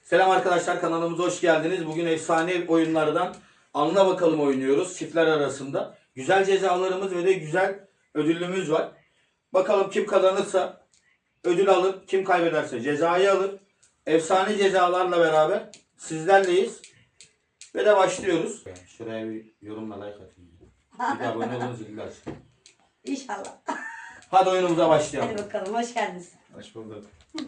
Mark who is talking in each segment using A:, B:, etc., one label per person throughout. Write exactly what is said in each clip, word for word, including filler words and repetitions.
A: Selam arkadaşlar, kanalımıza hoş geldiniz. Bugün efsane oyunlardan Anla Bakalım oynuyoruz çiftler arasında. Güzel cezalarımız ve de güzel ödülümüz var. Bakalım kim kazanırsa ödül alır, kim kaybederse cezayı alır. Efsane cezalarla beraber sizlerleyiz. Ve de başlıyoruz. Şuraya bir yorumla like atın. Bir de abone olun, zilini açın.
B: İnşallah.
A: Hadi oyunumuza başlayalım.
B: Hadi bakalım, hoş geldiniz.
A: Hoş bulduk.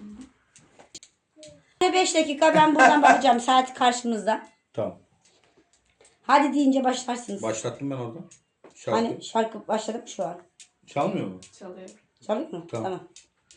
B: beş dakika ben buradan bakacağım. Saat karşımızda.
A: Tamam.
B: Hadi deyince başlarsınız.
A: Başlattım ben orada. Şarkı.
B: Hani şarkı başladı mı şu an?
A: Çalmıyor mu?
C: Çalıyor.
B: Çalıyor mu?
A: Tamam.
B: Tamam.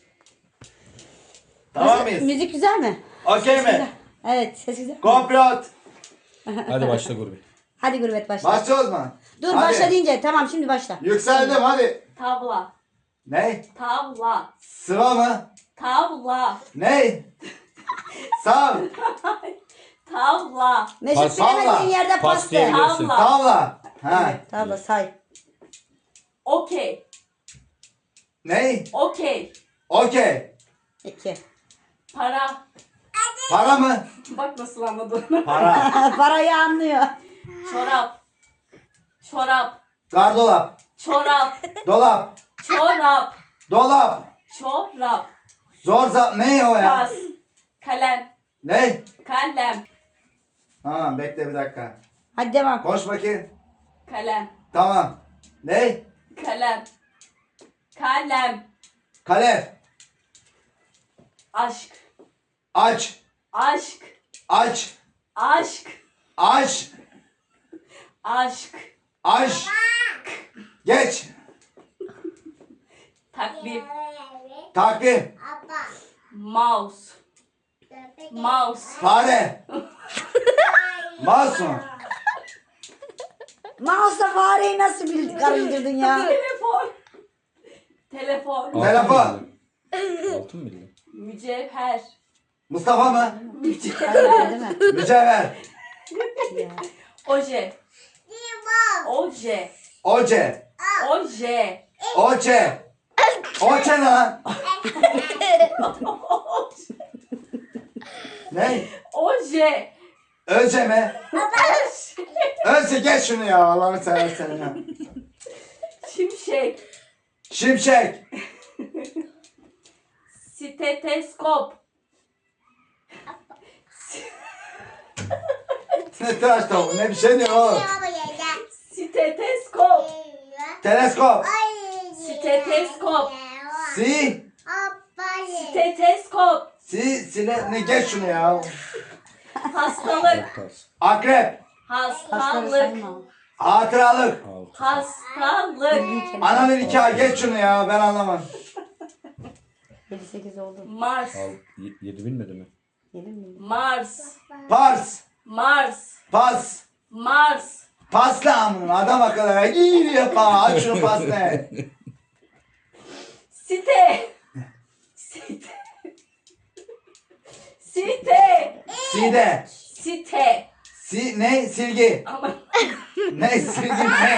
A: Tamam
B: Nasıl-
A: mıyız?
B: Müzik güzel mi?
A: Okey
B: Güzel.
A: mi?
B: Evet, ses güzel.
A: Komplot. Hadi başla Gurbi.
B: Hadi gurbet başla.
D: Başlıyoruz mu?
B: Dur
D: Hadi.
B: başla deyince tamam şimdi başla.
D: Yükseldim hadi.
C: Tavla.
D: Ne?
C: Tavla.
D: Sıva mı?
C: Tavla.
D: Ne? Sağ.
C: Tavla.
B: Mesut
A: Pas-
B: bilemediğin
D: Tavla.
B: yerde
A: Pas
B: pas de.
A: diyebilirsin.
C: Tavla.
D: Tavla. Ha.
B: Tavla say.
C: Okey.
D: Ne?
C: Okey.
D: Okey.
B: İki.
C: Para.
D: Para mı?
C: Bak nasıl anladın.
D: Para.
B: Parayı anlıyor.
C: Çorap. Çorap.
D: Gardolap.
C: Çorap.
D: Dolap.
C: Çorap.
D: Dolap.
C: Çorap.
D: Zor zap. Ne o ya?
C: Pas. Kalem.
D: Ne?
C: Kalem.
D: Tamam bekle bir dakika.
B: Hadi devam.
D: Koş bakayım.
C: Kalem.
D: Tamam. Ne?
C: Kalem. Kalem.
D: Kalem.
C: Aşk.
D: Aç.
C: Aşk.
D: Aç.
C: Aşk.
D: Aç.
C: Aşk.
D: Aç. Geç.
C: Takvim.
D: Takvim.
C: Mouse. Mouse.
D: Fare. Mouse mu?
B: Mouse'la fareyi nasıl bil karıştırdın ya?
C: Telefon. Telefon.
D: Telefon.
A: Altın mı bildin?
C: Mücevher.
D: Mustafa mı?
C: Mücevher.
B: Değil mi?
D: Mücevher.
C: Oje. Oje.
D: Oce.
C: Oje.
D: Oce. Oce ne lan? Ne?
C: Oje.
D: Öce mi? Öze geç şunu ya Allah'ını seversen ya.
C: Şimşek.
D: Şimşek.
C: Steteskop.
D: Ne tıraş tavuğu ne bir şey diyor oğlum.
C: Steteskop.
D: Teleskop.
C: Steteskop.
D: Si.
C: Steteskop.
D: Si. Sine ne geç şunu ya.
C: Hastalık.
D: Akrep.
B: Hastaları
C: Hastalık.
B: sayma.
D: Hatıralık.
C: Hastalık.
D: Ananın nikahı geç şunu ya ben anlamam.
B: yedi sekiz oldu.
C: Mars.
A: Yedi bilmedi mi?
B: yedi mi?
C: Mars.
D: Pars.
C: Mars.
D: Pas.
C: Mars.
D: Pasla amına adam akıllı. İyi yapma aç şunu pas ne.
C: Site. Site. Site.
D: Side.
C: Site.
D: Si ne silgi.
C: Ama
D: Ne silgi ne?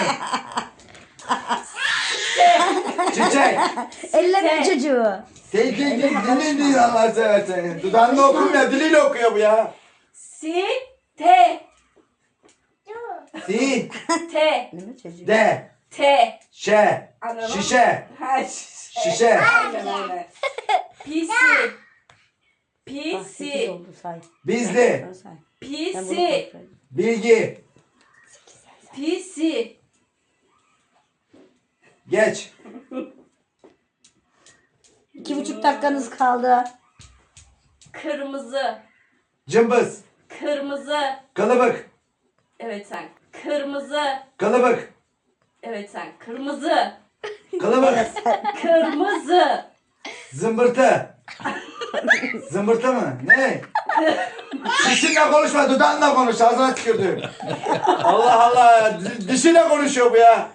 D: Çiçek.
B: Elleme
C: Site.
B: çocuğu.
D: Silgi dili değil Allah seversen. Dudağında okumuyor diliyle okuyor bu ya.
C: Site.
D: Si.
C: Te.
B: Elleme çocuğu.
D: De.
C: Te.
D: Şe.
C: Anladın mı?
D: Şişe.
C: Ha, şişe.
D: Şişe.
C: Aynen öyle. Pisi.
B: Bak, sekiz
C: Pisi.
B: oldu say.
D: Bizli.
B: Sonra say. Ben bunu
C: Pisi.
B: kontrol edeyim.
D: Bilgi.
C: Pisi.
D: Geç.
B: İki buçuk dakikanız kaldı.
C: Kırmızı.
D: Cımbız.
C: Kırmızı.
D: Kılıbık.
C: Evet sen. Kırmızı.
D: Kılıbık.
C: Evet sen. Kırmızı.
D: Kılıbık.
C: Kırmızı.
D: Zımbırtı. Zımbırtı mı? Ne? Dişinle konuşma, dudağınla konuş. Ağzına tükürdüm. Allah Allah. di- Dişiyle konuşuyor bu ya.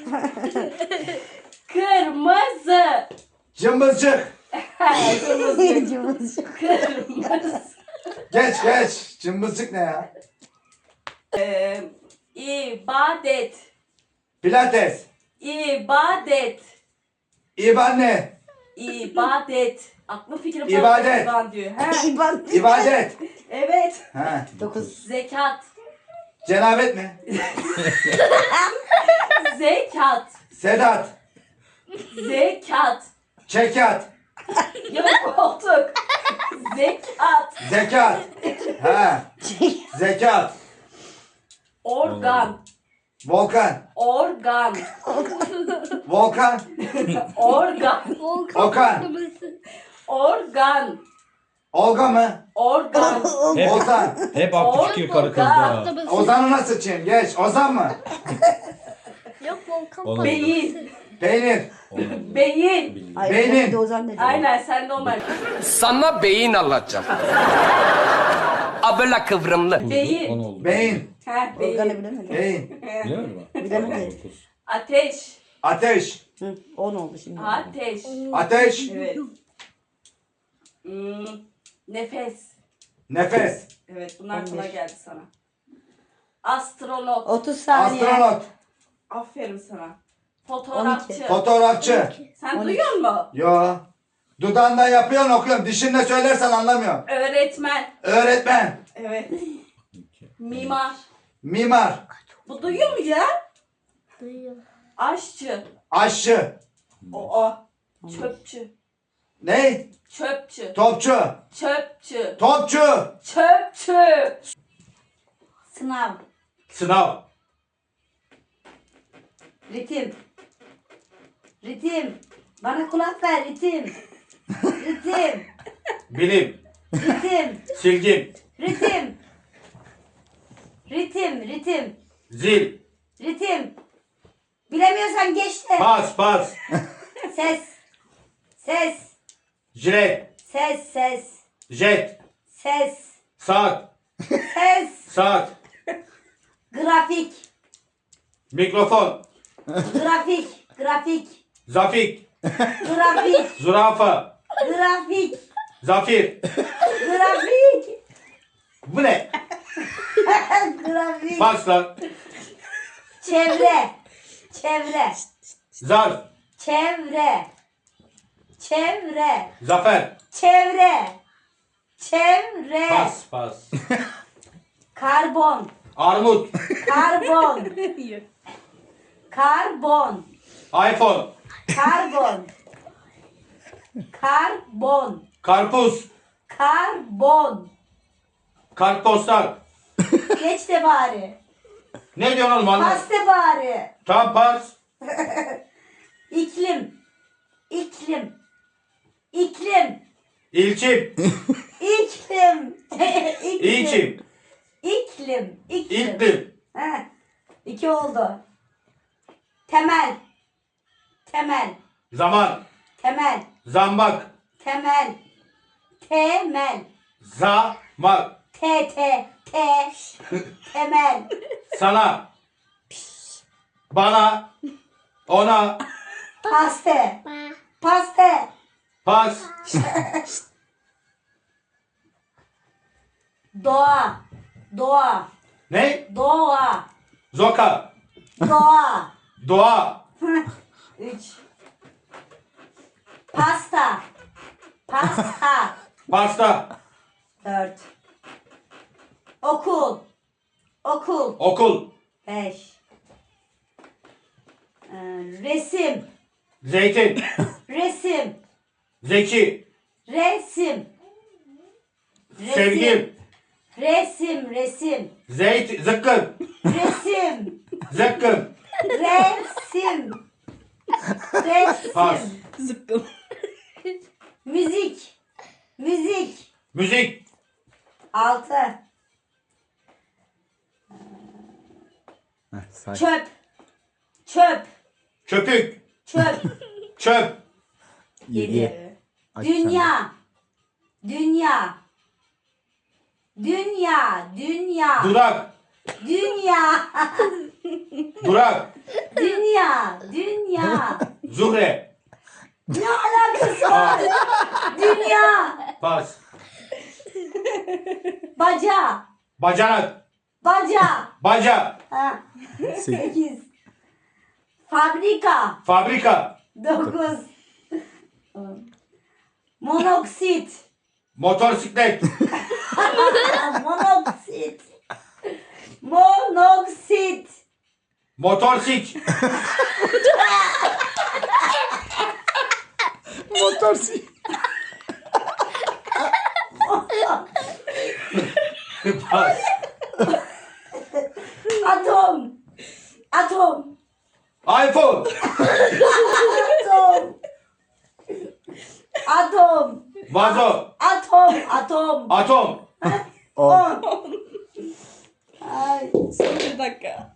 C: Kırmızı.
D: Cımbızcık.
C: Kırmızı. Kırmızı.
D: Geç geç. Cımbızcık ne ya?
C: Ee, ibadet.
D: Pilates.
C: İbadet.
D: İban ne?
C: İbadet. Aklı fikri
D: İbadet.
C: falan diyor. He.
B: İbadet.
D: İbadet.
C: Evet.
D: Ha.
B: Dokuz.
C: Zekat.
D: Cenabet mi?
C: Zekat.
D: Sedat.
C: Zekat.
D: Çekat.
C: Yok koltuk. Zekat.
D: Zekat. Ha. Zekat.
C: Organ.
D: Volkan.
C: Organ.
D: Volkan.
C: Organ.
D: Okan.
C: Organ.
D: Olga mı?
C: Organ.
E: Hep,
D: Ozan.
E: hep aklı fikir karı kızda.
D: Ozan'ı nasıl çiğim? Geç. Ozan mı?
F: Yok volkan
E: Olmadı.
C: Beyin.
D: Peynir.
C: Beyin.
B: Ay,
D: Beynin.
B: bir de Ozan dedi.
C: Aynen sen normal.
G: Sana beyin alacağım. Abla kıvrımlı.
C: Beyin.
E: On oldu.
D: Beyin.
C: Heh,
B: Organı
C: beyin.
B: bilemedi.
D: Beyin.
E: Bilemedin mi?
B: Bilemedi.
E: Dokuz.
C: Ateş.
D: Ateş.
B: Hı, on oldu şimdi.
C: Ateş.
D: Ateş.
C: Evet. Hmm, nefes.
D: Nefes.
C: Evet bunlar
B: On
C: kolay
B: bir.
C: geldi sana. Astronot.
B: otuz saniye.
D: Astronot.
C: Aferin sana. Fotoğrafçı.
B: on iki.
D: Fotoğrafçı.
C: Sen
B: on üç.
C: duyuyor musun?
D: Yo. Dudağında yapıyorsun okuyorum. Dişinle söylersen anlamıyorum.
C: Öğretmen.
D: Öğretmen.
C: Evet. Mimar.
D: Mimar.
C: Bu duyuyor mu ya?
F: duyuyor.
C: Aşçı.
D: Aşçı.
C: O o. Çöpçü.
D: Ne?
C: Çöpçü.
D: Topçu.
C: Çöpçü.
D: Topçu.
C: Çöpçü.
B: Sınav.
A: Sınav.
B: Ritim. Ritim. Bana kulak ver ritim. Ritim.
A: Bilim.
B: Ritim.
A: Silgim.
B: Ritim. Ritim. Ritim.
A: Zil.
B: Ritim. Bilemiyorsan geç de.
A: Pas pas.
B: Ses. Ses.
A: Jilet.
B: Ses. Ses.
A: Jet.
B: Ses.
A: Saat.
B: Ses.
A: Saat.
B: Grafik.
A: Mikrofon.
B: Grafik. Grafik.
A: Zafik.
B: Grafik.
A: Zürafa.
B: Grafik.
A: Zafir.
B: Grafik.
A: Bu ne?
B: Grafik.
A: Pas lan.
B: Çevre. Çevre.
A: Zarf.
B: Çevre. Çevre.
A: Zafer.
B: Çevre. Çevre.
A: Pas pas.
B: Karbon.
A: Armut.
B: Karbon. Karbon.
A: iPhone.
B: Karbon. Karbon.
A: Karpuz.
B: Karbon.
A: Kartpostal.
B: Geç de bari.
A: Ne diyorsun oğlum anne?
B: Pas de bari.
A: Tam pas.
B: İklim. İklim. İklim.
A: İlçim.
B: İklim.
A: İlçim.
B: İklim. İklim.
A: İlklim.
B: Heh. İki oldu. Temel. Temel.
A: Zaman.
B: Temel.
A: Zambak.
B: Temel. Temel.
A: Zamak.
B: T T T. Temel.
A: Sana. Bana. Ona.
B: Paste.
F: Ba.
B: Paste.
A: Pas.
B: Doğa. Doğa.
A: Ne?
B: Doğa.
A: Zoka.
B: Doğa.
A: Doğa.
B: Üç. Pasta. Pasta.
A: Pasta.
B: Dört. Okul. Okul.
A: Okul.
B: Beş. Ee, resim.
A: Zeytin.
B: Resim.
A: Zeki.
B: Resim. Resim.
A: Sevgim.
B: Resim. Resim.
A: Zeyt. Zıkkım.
B: Resim.
A: Zıkkım.
B: Resim. Resim.
A: Pas.
C: Zıkkım.
B: Müzik. Müzik.
A: Müzik.
B: Altı. Çöp. Çöp.
A: Köpük.
B: Çöp.
A: Çöp.
B: Yedi. Dünya. Dünya. Dünya. Dünya.
A: Dudak.
B: Dünya.
A: Durak.
B: Dünya. Dünya.
A: Zuhre.
B: Ne alakası var? Dünya.
A: Pas.
B: Baca.
A: Bacanak.
B: Baca.
A: Baca.
B: Ha. Sekiz. Fabrika.
A: Fabrika.
B: Dokuz. On. Monoksit.
A: Motorsiklet.
B: Monoksit. Monoksit.
A: Motorsik.
D: Motorsi.
A: Pas.
B: Atom. Atom.
A: iPhone.
B: Atom. Atom.
A: Vazo.
B: Atom. Atom.
A: Atom.
D: On.
B: Ay.
C: Son bir dakika.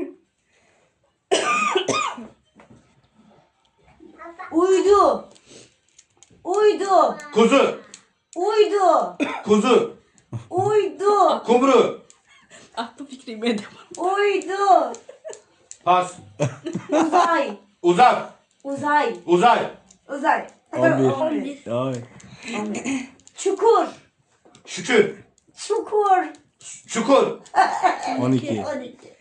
B: Uydu. Uydu.
A: Kuzu.
B: Uydu.
A: Kuzu.
B: Uydu.
A: Kumru.
C: Aklı fikri benim.
B: Uydu.
A: Pas.
B: Uzay.
A: Uzak.
B: Uzay.
A: Uzay.
B: Uzay.
D: On bir.
B: On bir.
D: Ay.
B: Çukur.
A: Şükür.
B: Çukur.
A: Çukur.
D: On iki.
B: On iki.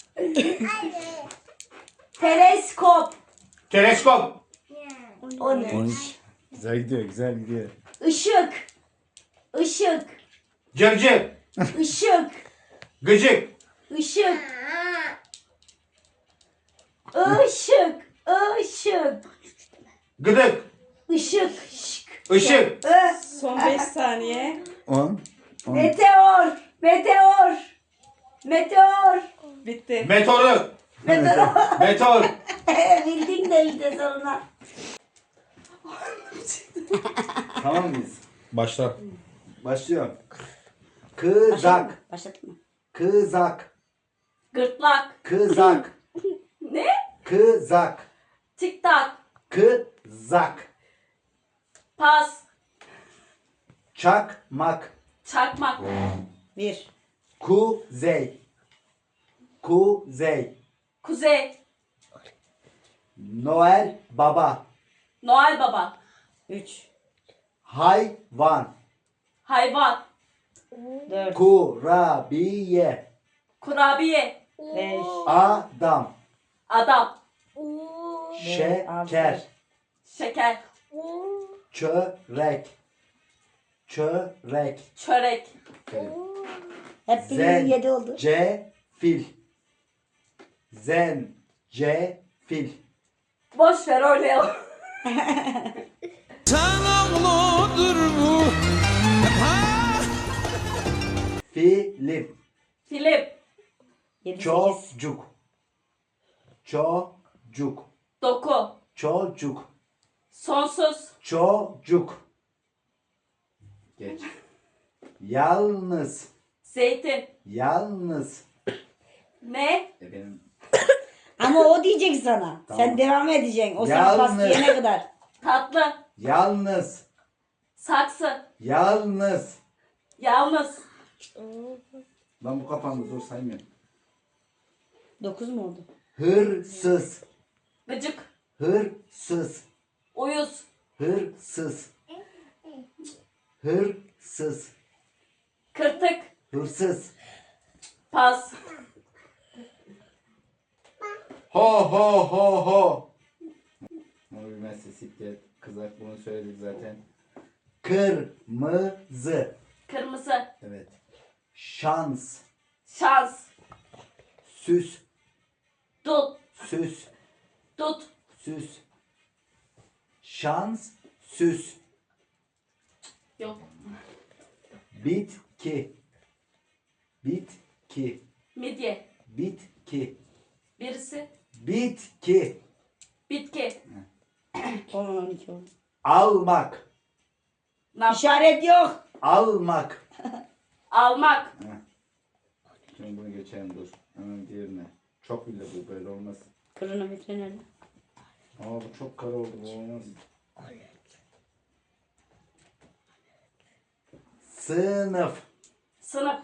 B: Teleskop.
A: Teleskop.
B: On üç.
D: On üç. Güzel gidiyor, güzel gidiyor.
B: Işık. Işık.
A: Cırcır.
B: Işık.
A: Gıcık.
B: Işık. Işık. Işık.
A: Gıdık.
B: Işık. Şık.
A: Işık.
B: Ö.
C: Son beş saniye.
D: On. On.
B: Meteor. Meteor. Meteor.
C: Bitti.
A: Meteoru.
B: Meteor.
A: Meteor.
B: Bildin de işte sonra.
D: Tamam mıyız?
E: Başla.
D: Başlıyorum. Kızak.
B: Başladın mı?
D: Kızak.
C: Gırtlak.
D: Kızak.
C: Ne?
D: Kızak.
C: Tik tak.
D: Kızak.
C: Pas.
D: Çakmak.
C: Çakmak.
B: Bir.
D: Kuzey. Kuzey.
C: Kuzey.
D: Noel Baba.
C: Noel Baba.
B: Üç.
D: Hayvan.
C: Hayvan.
B: Dört.
D: Kurabiye.
C: Kurabiye.
B: Beş.
D: Adam.
C: Adam.
D: Şeker.
C: Şeker.
D: Çörek. Çörek.
C: Çörek.
B: Hep birinin yedi oldu.
D: Zencefil. Zencefil.
C: Boş ver oynayalım.
D: Film.
C: Film.
B: Yedi, sekiz.
D: Çocuk. Çocuk.
C: Doku.
D: Çocuk.
C: Sonsuz.
D: Çocuk. Geç. Yalnız.
C: Zeytin.
D: Yalnız.
C: Ne?
D: E benim
B: Ama o diyecek sana.
D: Tamam.
B: Sen devam edeceksin. O sana pas
D: Yalnız.
B: diyene kadar.
C: Tatlı.
D: yalnız.
C: Saksı.
D: Yalnız.
C: Yalnız.
D: Ben bu kapandı dur saymıyorum.
B: Dokuz mu oldu?
D: Hırsız.
C: Gıcık.
D: Hırsız.
C: Uyuz.
D: Hırsız. Hırsız.
C: Kırtık.
D: Hırsız.
C: Pas.
A: Ho ho ho ho.
D: Onu bilmezse siklet. Kızak bunu söyledik zaten. Kırmızı.
C: Kırmızı.
D: Evet. Şans.
C: Şans.
D: Süs.
C: Dut.
D: Süs.
C: Dut.
D: Süs. Şans. Süs.
C: Yok.
D: Bitki. Bitki.
C: Midye.
D: Bitki.
C: Birisi.
D: Bitki.
C: Bitki.
B: On, on iki oldu.
D: Almak.
C: Ne yap-
B: İşaret yok.
D: Almak.
C: Almak.
D: Şimdi bunu geçelim dur. Hemen diğerine. Çok bile bu böyle olmaz.
B: Kronometre nerede?
D: Ama bu çok kara oldu bu olmaz. Sınıf.
C: Sınıf.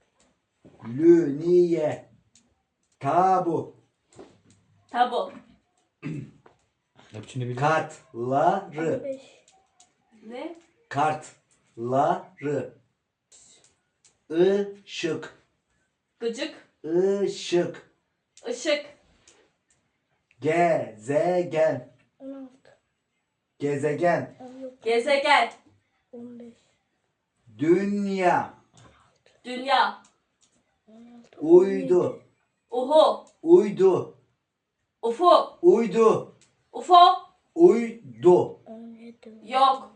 D: Lüniye. Tabu.
C: Tabu.
E: Hepsini bil.
D: Kartları.
C: Ne?
D: Kartları. Işık.
C: Gıcık.
D: Işık.
C: Işık.
D: Gezegen.
F: on altı.
D: Gezegen.
C: Gezegen.
F: on beş.
D: Dünya.
C: Dünya.
D: Uydu.
C: Uhu.
D: Uydu.
C: Ufu.
D: Uydu.
C: Ufo.
D: Uydu.
F: on yedi.
C: Yok.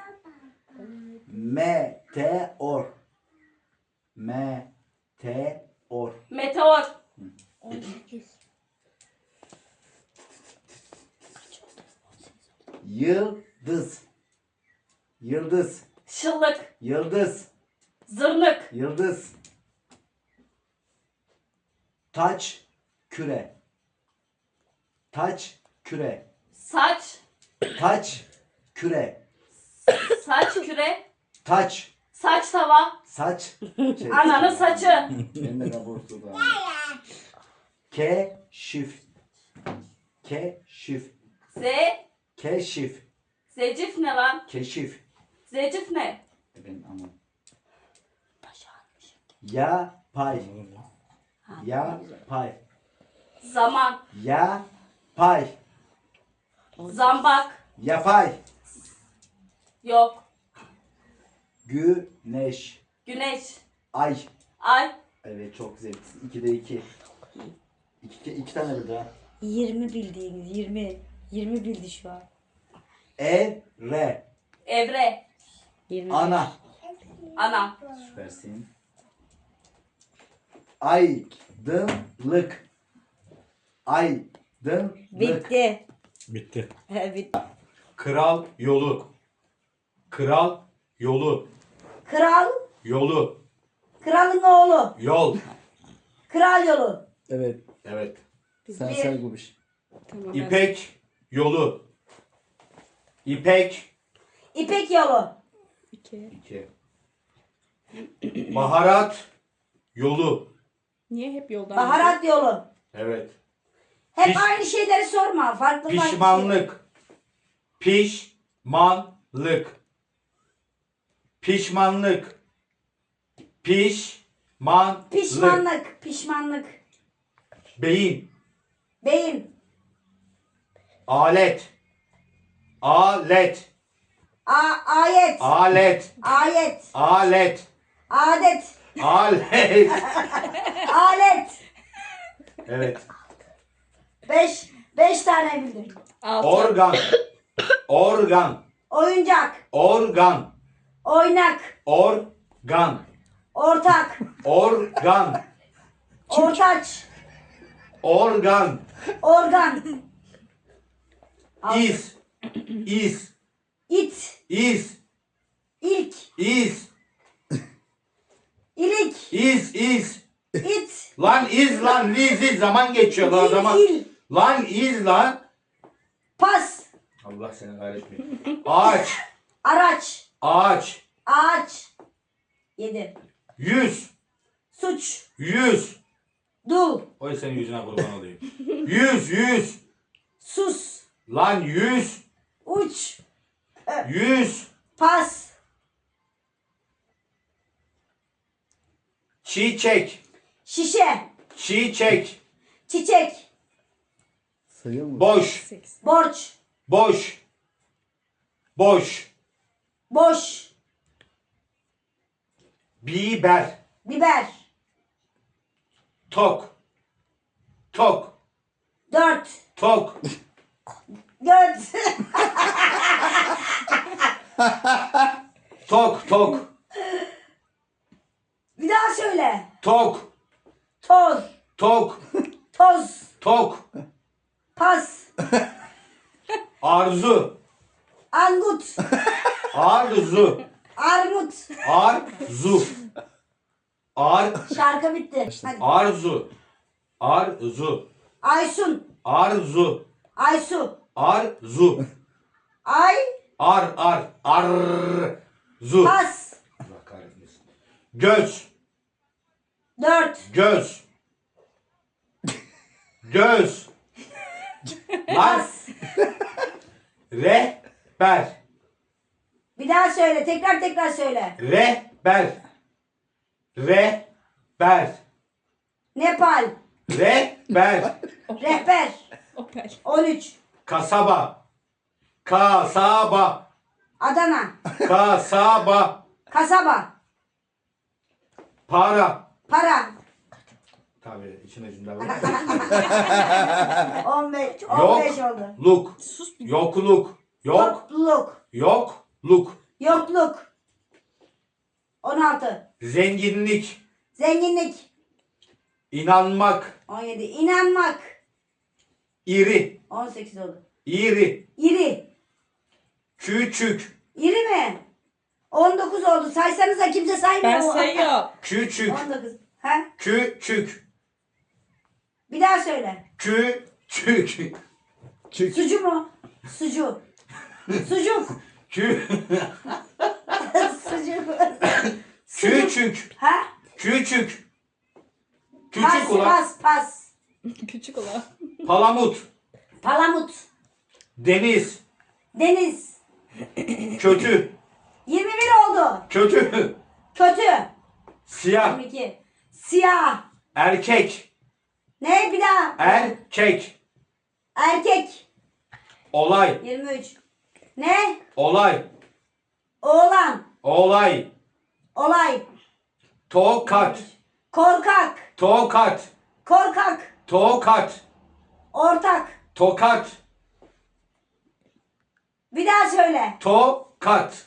D: Meteor. Meteor.
C: Meteor.
F: on sekiz.
D: Yıldız. Yıldız.
C: Şıllık.
D: Yıldız.
C: Zırnık.
D: Yıldız. Taç küre. Taç küre.
C: Saç.
D: Taç küre.
C: Saç küre.
D: Taç.
C: Saç tava.
D: Saç. Şey,
C: Ananın saçı.
D: Ben de kabursu da. Keşif. Keşif.
C: Z.
D: Keşif.
C: Zecif ne lan?
D: Keşif.
C: Zecif ne?
D: Ben aman. Yapay. Yapay.
C: Zaman.
D: Yapay.
C: Zambak.
D: Yapay.
C: Yok.
D: Güneş.
C: Güneş.
D: Ay.
C: Ay.
D: Evet çok zevkli. İkide iki. İki, iki tane bildi ha.
B: yirmi bildiğiniz yirmi. yirmi bildi şu an.
D: Evre.
C: Evre.
B: yirmi.
D: Ana.
C: Ana.
D: Süpersin. Aydınlık. Aydınlık.
B: Bitti.
E: Bitti.
B: He, bitti.
A: Kral yolu. Kral yolu.
B: Kral.
A: Yolu.
B: Kralın oğlu.
A: Yol.
B: Kral yolu.
D: Evet.
A: Evet.
D: Sen
B: Bir.
D: sen Gubiş.
B: Tamam.
A: İpek yolu. İpek.
B: İpek yolu.
A: İki. Baharat yolu.
B: Niye hep yoldan? Baharat yolu.
A: Evet.
B: Hep
A: Piş-
B: aynı şeyleri sorma. Farklı farklı.
A: Pişmanlık. Pişmanlık. Pişmanlık. Pişmanlık.
B: Pişmanlık. Pişmanlık.
A: Beyin.
B: Beyin.
A: Alet. Alet.
B: A ayet.
A: Alet.
B: Ayet.
A: Alet.
B: Adet.
A: Alet.
B: Alet.
A: Evet.
B: Beş. Beş tane bildim.
A: Organ. Organ.
B: Oyuncak.
A: Organ.
B: Oynak.
A: Organ.
B: Ortak.
A: Organ.
B: Ortaç.
A: Organ.
B: Organ.
A: İz. İz.
B: İt.
A: İz.
B: İlk.
A: İz.
B: İlik.
A: İz. İz.
B: İt.
A: Lan iz lan iz iz zaman geçiyor lan
B: İl.
A: zaman.
B: İl.
A: Lan iz lan.
B: Pas.
A: Allah seni kahretmeyin. Ağaç.
B: Araç.
A: Ağaç.
B: Ağaç. Yedi.
A: Yüz.
B: Suç.
A: Yüz.
B: Dul.
A: Oy senin yüzüne kurban olayım. Yüz. Yüz.
B: Sus.
A: Lan yüz.
B: Uç.
A: Yüz.
B: Pas.
A: Çiçek.
B: Şişe.
A: Çiçek.
B: Çiçek.
D: Sayıyor mu?
A: Boş.
B: Borç.
A: Boş. Boş.
B: Boş.
A: Biber.
B: Biber.
A: Tok. Tok.
B: Dört.
A: Tok.
B: Göt.
A: Tok. Tok.
B: Bir daha söyle.
A: Tok.
B: Toz.
A: Tok.
B: Toz.
A: Tok.
B: Pas.
A: Arzu.
B: Angut.
A: Arzu.
B: Armut.
A: Arzu. Ar.
B: Şarkı bitti. Hadi.
A: Arzu. Arzu.
B: Aysun.
A: Arzu.
B: Aysu.
A: Arzu.
B: Ay.
A: Ar ar arzu.
B: Pas.
A: Allah kahretmesin. Göz.
B: Dört.
A: Göz. Göz. Lan.
B: Pas.
A: Rehber.
B: Bir daha söyle. Tekrar tekrar söyle.
A: Rehber. Rehber.
B: Nepal.
A: Rehber.
B: Rehber. On üç.
A: Kasaba. Kasaba.
H: Adana.
A: Kasaba.
H: Kasaba.
A: Para.
H: Para.
A: Tabii içine cümle var.
H: on beş, on beş oldu.
A: Yokluk. Yokluk. Yok.
H: Yokluk.
A: Yokluk.
H: Yokluk. on altı.
A: Zenginlik.
H: Zenginlik.
A: İnanmak.
H: on yedi. İnanmak.
A: İri.
H: on sekiz oldu.
A: İri.
H: İri.
A: Küçük.
H: İri mi? on dokuz oldu. Saysanıza kimse saymıyor.
C: Ben sayıyorum.
A: Küçük.
H: on dokuz. Ha?
A: Küçük.
H: Bir daha söyle.
A: Küçük.
H: Sucu mu? Sucu. Sucuk.
A: Kü.
H: Sucuk.
A: Küçük.
H: Ha?
A: Küçük.
H: Pas,
A: Küçük ulan.
H: pas, pas.
C: Küçük olan.
A: Palamut.
H: Palamut.
A: Deniz.
H: Deniz.
A: Kötü.
H: yirmi bir oldu.
A: Kötü.
H: Kötü.
A: Siyah.
H: yirmi iki. Siyah.
A: Erkek.
H: Ne bir daha?
A: Erkek.
H: Erkek.
A: Olay.
H: yirmi üç. Ne?
A: Olay.
H: Oğlan.
A: Olay.
H: Olay.
A: Tokat.
H: Korkak.
A: Tokat.
H: Korkak.
A: Tokat.
H: Ortak.
A: Tokat.
H: Bir daha söyle.
A: Tokat.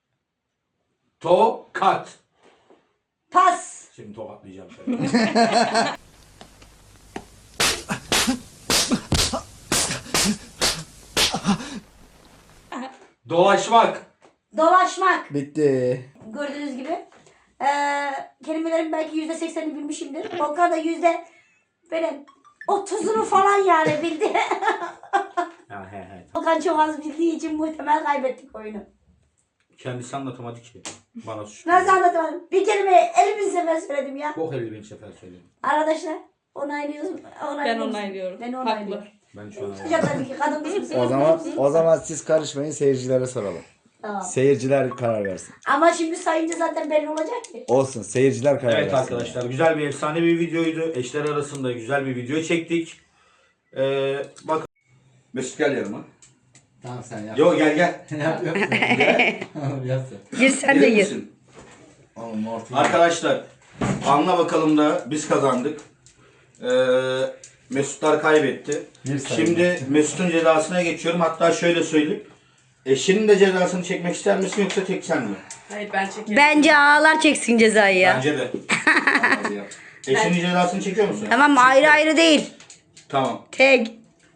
A: Tokat.
H: Pas.
A: Şimdi tokatlayacağım seni. Dolaşmak.
H: Dolaşmak.
D: Bitti.
H: Gördüğünüz gibi. Ee, kelimelerin belki yüzde seksenini bilmişimdir. Volkan da yüzde böyle otuzunu falan yani bildi.
A: Ha, he, he.
H: Volkan çok az bildiği için muhtemel kaybettik oyunu.
A: Kendisi anlatamadı ki. Bana suç.
H: Nasıl anlatamadım? Bir kelime elli bin sefer söyledim ya.
A: Çok elli bin sefer söyledim.
H: Arkadaşlar onaylıyoruz. onaylıyoruz.
C: Ben onaylıyorum.
H: Ben
C: Haklı.
H: onaylıyorum.
A: Ben şu an
H: Hocam tabii ki kadın mısınız?
D: O zaman o zaman siz karışmayın, seyircilere soralım.
H: Tamam.
D: Seyirciler karar versin.
H: Ama şimdi sayınca zaten belli olacak ki.
D: Olsun, seyirciler karar
A: Evet
D: versin.
A: arkadaşlar, güzel bir efsane bir videoydu. Eşler arasında güzel bir video çektik. Ee, bakın. Mesut gel yanıma.
D: Tamam sen yap.
A: Yo gel gel.
D: yap yap. Gel. Yap sen.
B: Gir sen de
A: Gelir
B: gir.
A: misin?
D: Oğlum ortaya.
A: Arkadaşlar, anla bakalım da biz kazandık. Ee, Mesutlar kaybetti.
D: Bir sayı.
A: Şimdi Mesut'un cezasına geçiyorum. Hatta şöyle söyleyeyim. Eşinin de cezasını çekmek ister misin yoksa tek sen mi?
C: Hayır ben çekerim.
B: Bence ağlar çeksin cezayı ya.
A: Bence de.
D: Hadi yap.
A: Eşinin cezasını çekiyor musun?
B: Tamam mı? Ayrı ayrı değil.
A: Tamam.
B: Tek.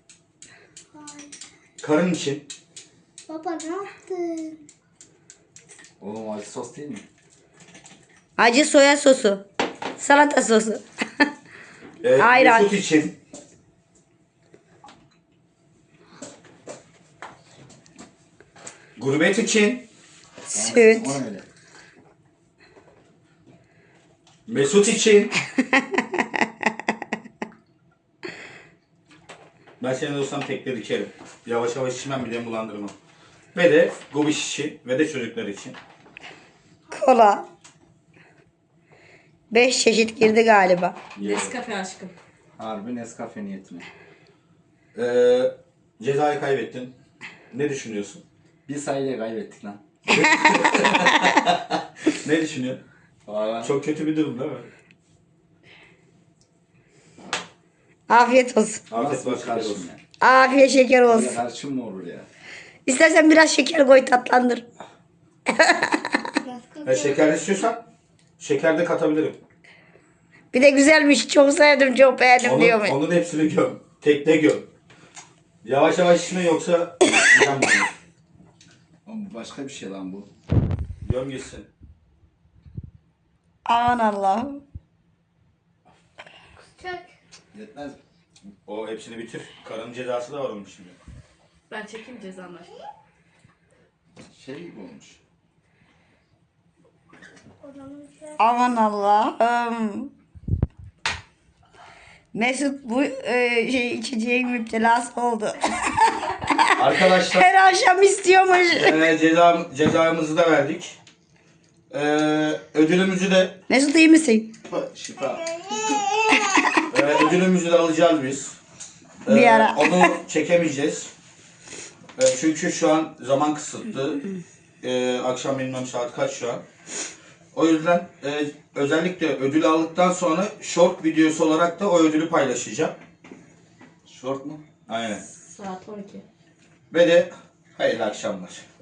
A: Karın için
F: Baba ne yaptın?
D: Oğlum acı sos değil mi?
B: Acı soya sosu. Salata sosu.
A: e,
B: Ayran.
A: Mesut için gurbet için
B: Süt.
D: O öyle.
A: Mesut için ben senin olsam tekrar içerim. Yavaş yavaş içmem, midemi bulandırmam. Ve de gobiş için ve de çocuklar için.
B: Kola. Beş çeşit girdi galiba.
C: Nescafe aşkım.
D: Harbi Nescafe niyetine.
A: Ee, cezayı kaybettin. Ne düşünüyorsun?
D: Bir sayıyla kaybettik lan.
A: Ne düşünüyorsun?
D: Valla.
A: Çok kötü bir durum değil mi?
B: Afiyet olsun.
A: Afiyet
D: Nasıl bir
A: olsun.
D: karışım ya?
B: Afiyet şeker
D: Böyle
B: olsun.
D: karışım mı olur ya?
B: İstersen biraz şeker koy tatlandır.
A: Ha, şeker istiyorsan şeker de katabilirim.
B: Bir de güzelmiş. Çok sevdim. Çok beğendim
A: Onun,
B: diyor mu?
A: onun hepsini göm. Tekne göm. Yavaş yavaş içme yoksa göm bunu.
D: Oğlum bu başka bir şey lan bu.
A: Göm gitsin.
B: Aman Allah'ım.
F: Çok.
D: Yetmez mi?
A: O hepsini bitir. Karın cezası da var onun şimdi.
C: Ben çekeyim cezamı.
D: Şey gibi olmuş.
B: Aman Allah'ım. Mesut bu e, şey içeceğin müptelası oldu.
A: Arkadaşlar
B: Her akşam istiyormuş.
A: e, ceza, cezamızı da verdik. E, ödülümüzü de
B: Mesut iyi misin?
A: şifa. E, ödülümüzü de alacağız biz. E,
B: Bir ara.
A: Onu çekemeyeceğiz. E, çünkü şu an zaman kısıtlı. E, akşam bilmem saat kaç şu an. O yüzden e, özellikle ödül aldıktan sonra short videosu olarak da o ödülü paylaşacağım.
D: Short mu?
A: Aynen.
C: Saat on iki.
A: Ve de hayırlı akşamlar.